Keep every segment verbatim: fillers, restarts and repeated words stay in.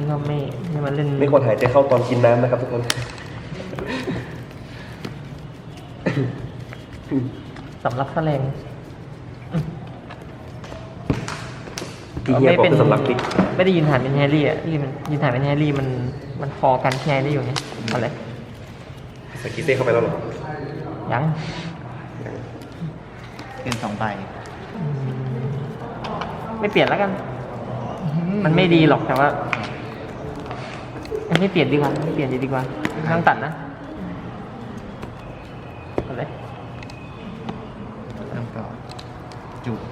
ก็ไม่ไม่มาเล่นไม่ควรหายใจเข้าตอนกินน้ำนะครับทุกคนสำรับแสลงที่เฮียบอกเป็นสำรับพริกไม่ได้ยินฐานเป็นแฮร์รี่อ่ะที่มันยินฐานเป็นแฮร์รี่มันมันพอกันแฮร์รี่อยู่ไงอะไรใส่กิเซ่เข้าไปแล้วเหรอยังเป็นสองใบอืมไม่เปลี่ยนแล้วกัน มันไม่ดีหรอกแต่ว่าไม่เปลี่ยนดีกว่าไม่เปลี่ยนดีกว่าไม่ต้องตัดนะอะไรเริ่มก่อนจุบ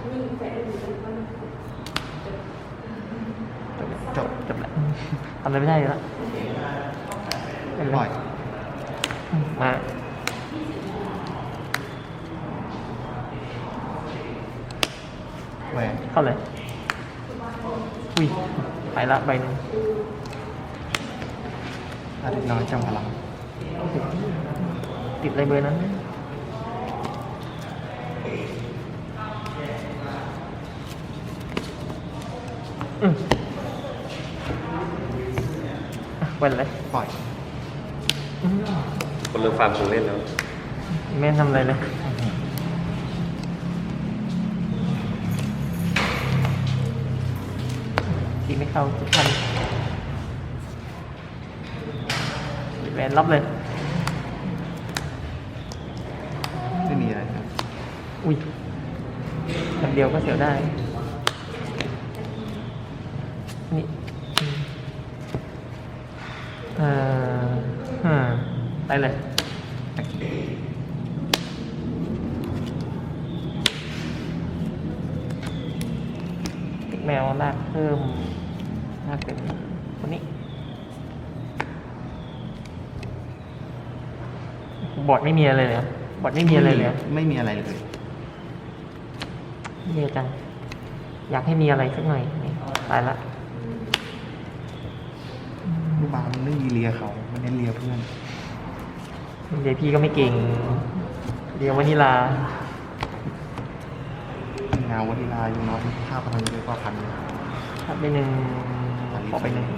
จบจบแล้วทำอะไรไม่ได้แล้วเป็นปไรล่อยมาแหวนเข้าเลยอุ้ยไปละใบหนึ่งอาทิตย์น้อยจำพลังติดอะไรเบอร์นั้นอืมอ่ะวันอะไรปล่อยอืมคนเริ่มฟาร์มของเล่นแล้วไม่ทำอะไรเลยตีไม่เข้าทุกท่านแหวนรับเลยไม่มีอะไรครับอุ้ยคำเดียวก็เสียวได้ นี่อืมเอ่อฮะไปเลยโอเคติ๊กแมวลากเพิ่มลากเป็นคนนี้ บอร์ดไม่มีอะไรเลยเหรอบอร์ดไม่มีอะไรเลยเหรอไม่มีอะไรเลยเยอะจัง อยากให้มีอะไรสักหน่อยนี่ตายละลูกบาลมันไม่มีเลียเขาไม่ได้เลียเพื่อนเดี๋ยวพี่ก็ไม่เก่ง เดี๋ยววานิลางานวันิลาอยู่น้อยค่าพลังเยอะกว่าพันเลยทับไปหนึ่งขอไปหนึ่ง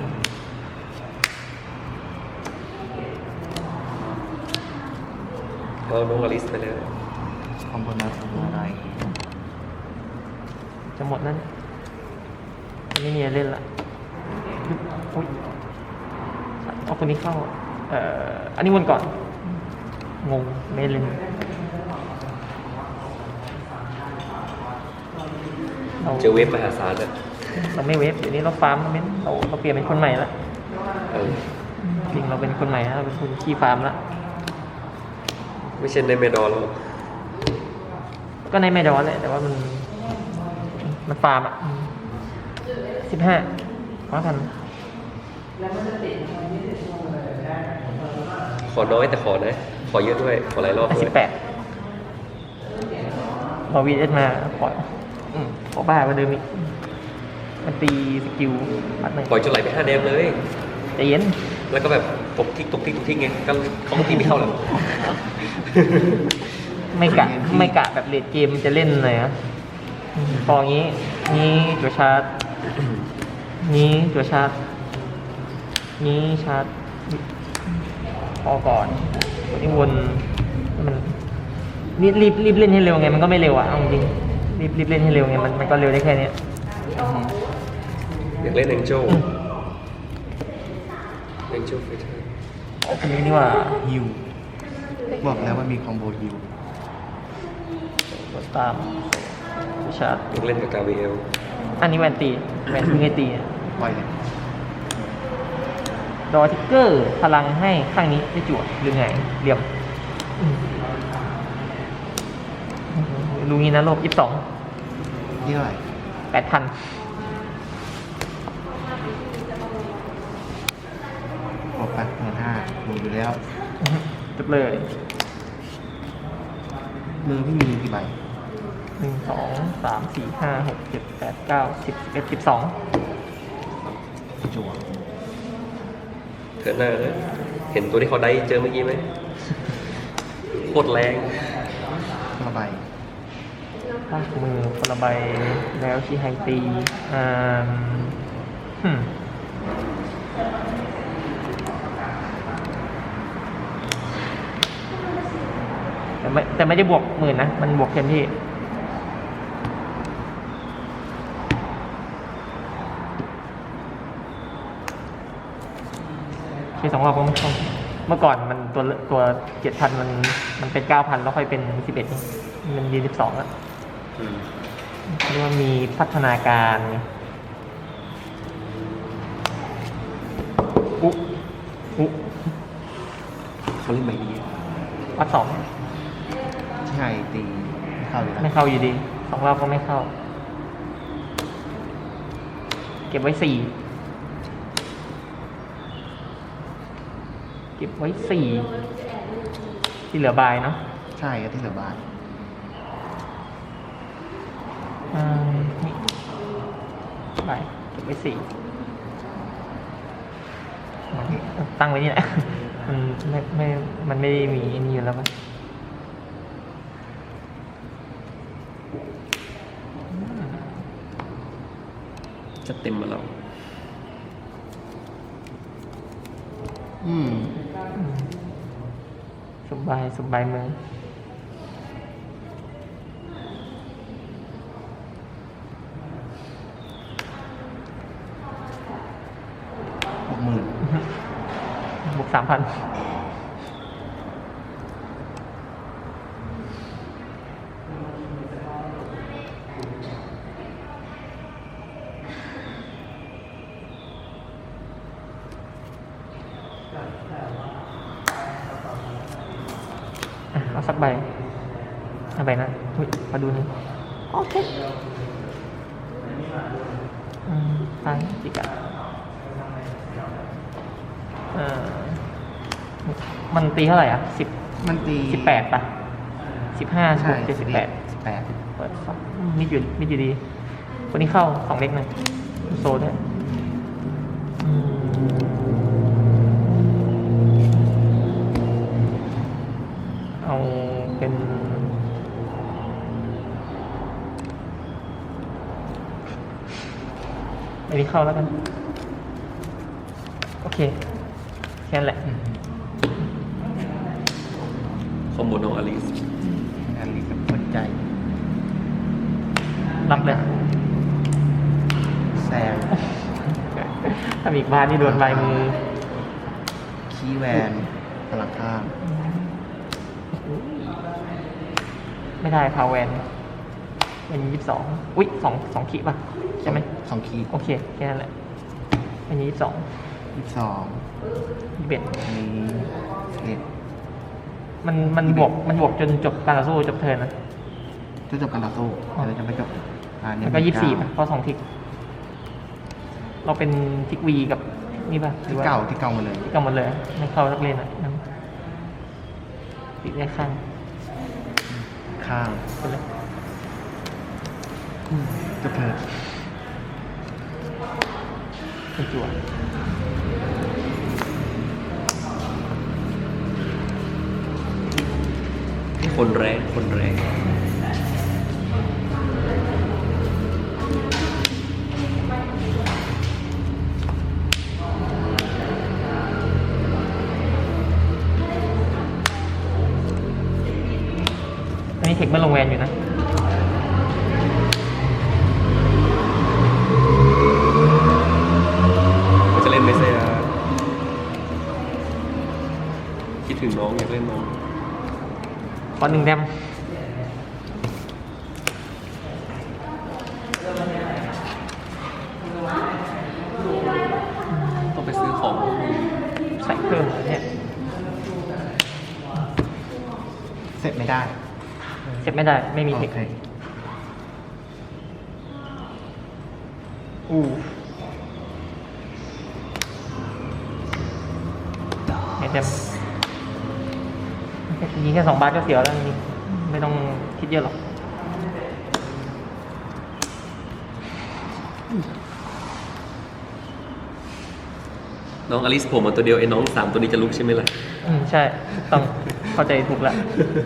เอาน้องอลิสไปเลยคอมโบนัสคอมโบอะไรจะหมดนั้นไม่มีอะไรเล่นละอุ๊ยเอาคนนี้เข้า เอ่อ อันนี้วนก่อน งง ไม่เล่นเราเจอเวฟมหาศาลอ่ะเราไม่เวฟเดี๋ยวนี้เราฟาร์มเราไม่เราเราเปลี่ยนเป็นคนใหม่ละเออจริงเราเป็นคนใหม่แล้วเราเป็นคนขี้ฟาร์มละไม่ใช่ในเมดอลแล้วก็ในไม่ดอนแหละแต่ว่ามัน มันฟาร์มอ่ะสิบห้าร้อยพันขอน้อยแต่ขอนะ ขอเยอะด้วย ขอหลายรอบด้สิวยบแปดพอวีเอสมาปล่อยอืมขอบ้ากว่าเดิมอีกมันตีสกิลปัดหนึ่งปล่อยจนไหลไปห้าแดมเลยใจเย็นแล้วก็แบบตกทิกตกทิกตกทิกไงก็เขาก็ตีไม่เข้าหรอกไม่กะไม่กะแบบเลดเกมจะเล่นเลยนะอืมพออย่างนี้ นี้จัวชาร์จ นี้จัวชาร์จ นี้ชาร์จ พอก่อนวันนี้วนมันรีบรีบรีบเล่นให้เร็วไงมันก็ไม่เร็วอ่ะเอาจริงรีบรีบเล่นให้เร็วไงมันมันก็เร็วได้แค่เนี้ยอยากเล่นแองเจิลแองเจิลไฟเตอร์เอาคนนี้ดีกว่าฮิวบอกแล้วว่ามีคอมโบฮิวกดตามชาร์จอยากเล่นกับกาเวลอันนี้แวนตีแวนเพิ่งให้ตีปล่อยเลยดอทิกเกอร์พลังให้ข้างนี้ได้จั่วหรือไงเหลี่ยมอืมรู้งี้นะโลบยี่สิบสองนี่เท่าไหร่แปดพันบอกไปหมื่นห้าหมดอยู่แล้วจบเลยมือพี่มีกี่ใบหนึ่งสองสามสี่ห้าหกเจ็ดแปดเก้าสิบสิบเอ็ดสิบสองจั่วเถิดหน้านะเห็นตัวที่เขาได้เจอเมื่อกี้ไหมโคตรแรงละใบลากมือคนละใบแล้วชีไฮตีอ่าฮึมแต่ไม่แต่ไม่ได้บวกหมื่นนะ มันบวกเต็มที่ใช้สองรอบก็ไม่ต้องเมื่อก่อนมันตัวตัวเจ็ดพันมันมันเป็นเก้าพันแล้วค่อยเป็นสิบเอ็ดมันยีสิบสองแล้วอืมเรียกว่ามีพัฒนาการไงอุ๊อุ๊เขาเล่นใบนี้วัดสองใช่ตีเข้าอยู่แล้วไม่เข้าอยู่ดีสองรอบก็ไม่เข้า เก็บไว้สี่เก็บไว้สี่ที่เหลือบายเนาะใช่ก็ที่เหลือบาทอ่านี่บายเก็บไว้สี่ตั้งไว้นี่แหละ มันไม่ไม่มันไม่ได้มีอันนี้อยู่แล้วปะจะเต็มมาแล้วอืมอืมสบายสบายมือหกหมื่นบวกสามพันเอาสักใบเอาใบนั้นอุ๊ยมาดูนี่โอเคอืมไปจิกะเออมันตีเท่าไหร่อ่ะสิบมันตีสิบแปดป่ะสิบห้าใช่เจ็ดสิบแปดสิบแปดเปิดสองมิดอยู่มิดอยู่ดีคนนี้เข้าสองเล็กหนึ่งโซด้วยอืมเอาเป็นอันนี้เข้าแล้วกัน โอเคแค่นั้นแหละอืมคอมโบโนอลิสอันนี้กับหัวใจรับเลยแซงถ้ามีอีกบ้านนี่โดนใบมือคีย์แวนพลังข้ามไม่ได้พาวเวนเป็นยี่สิบสองอุ้ยสองสองขีดป่ะ ใช่ไหมสองคีย์โอเค แค่นั้นแหละเป็นยี่สิบสองยี่สิบสองยี่สิบเอ็ดอันนี้สิบเอ็ดมันมันบวกมันบวกจนจบการต่อสู้จบเทิร์นนะจะจบกันต่อสู้อ๋อเดี๋ยวจะไปจบอ่าเนี่แล้วก็ยี่สิบสี่เก้าป่ะเพราะสองทิก เราเป็นทิกวีกับนี่ป่ะหรือที่ว่าเก่าที่เก่ามาเลยที่เก่าหมดเลย ไม่เข้าสักเลนอ่ะนั่นติดได้ข้างข้างไปเลยจบเถิดเป็นจั่วคนแรงคนแรงอันนี้เทคเมื่อลงแวนอยู่นะมันจะเล่นไม่ใช่ฮะคิดถึงน้องอยากเล่นน้องขอหนึ่งแดมต้องไปซื้อของใส่เพิ่มเนี่ยเสร็จไม่ได้เซ็ตไม่ได้ ไม่มีเทโอคเคอู้ไม่แดมยิงแค่สองบาทก็เสียวแล้วจริงๆไม่ต้องคิดเยอะหรอกน้องอลิสผมมาตัวเดียวไอ้น้องสามตัวนี้จะลุกใช่ไหมล่ะอืมใช่ต้องเข้าใจถูกละ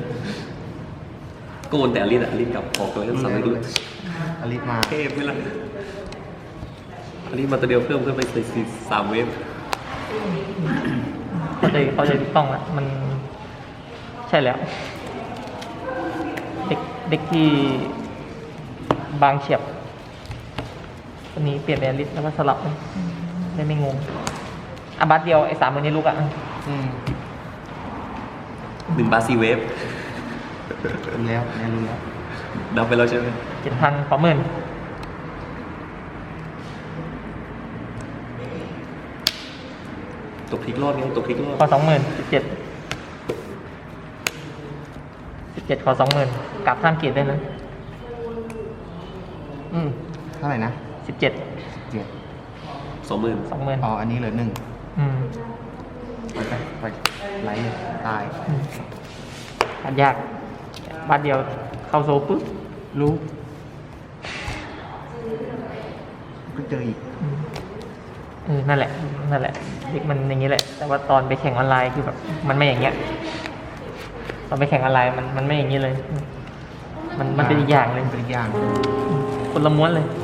โกนแต่อลิสอะอลิสกลับออกเลยทั้งสามไม่ลุกอลิสมาเทพไหมล่ะอลิสมาตัวเดียวเพิ่มขึ้นไปสี่สามเวฟเข้าใจเข้าใจถูกต้องแล้วมันใช่แล้ว เด็กเด็กที่บางเฉียบวันนี้เปลี่ยนแอลิสแล้วก็สลับเลยได้ไม่งงอ่ะบัสเดียวไอ้สามมือนี้ลูกอ่ะอืมหนึ่งบาซีเวฟรู้แล้วเนี่ยรู้แล้วนับไปแล้วใช่ไหมเจ็ดพันสองหมื่นตกพลิกรอบไงตกพลิกรอบขอสองหมื่นสิบเจ็ดสิบเจ็ดขอสองหมื่นกลับข้ามเกียรติได้นะอืมเท่าไหร่นะสิบเจ็ดเจ็ดสองหมื่นสองหมื่นอ๋ออันนี้เหลือหนึ่งอืมไปไปไปไลท์เลยตายอืมอันยากบัสเดียวเข้าโซปุ๊บรู้ ก็เจออีกอืมเออนั่นแหละ นั่นแหละเด็กมันอย่างนี้แหละ แต่ว่าตอนไปแข่งออนไลน์คือแบบมันไม่อย่างเงี้ย ตอนไปแข่งออนไลน์มันมันไม่อย่างนี้เลย มันมันเป็นอีกอย่างเลยเป็นอีกอย่างคนละม้วนเลย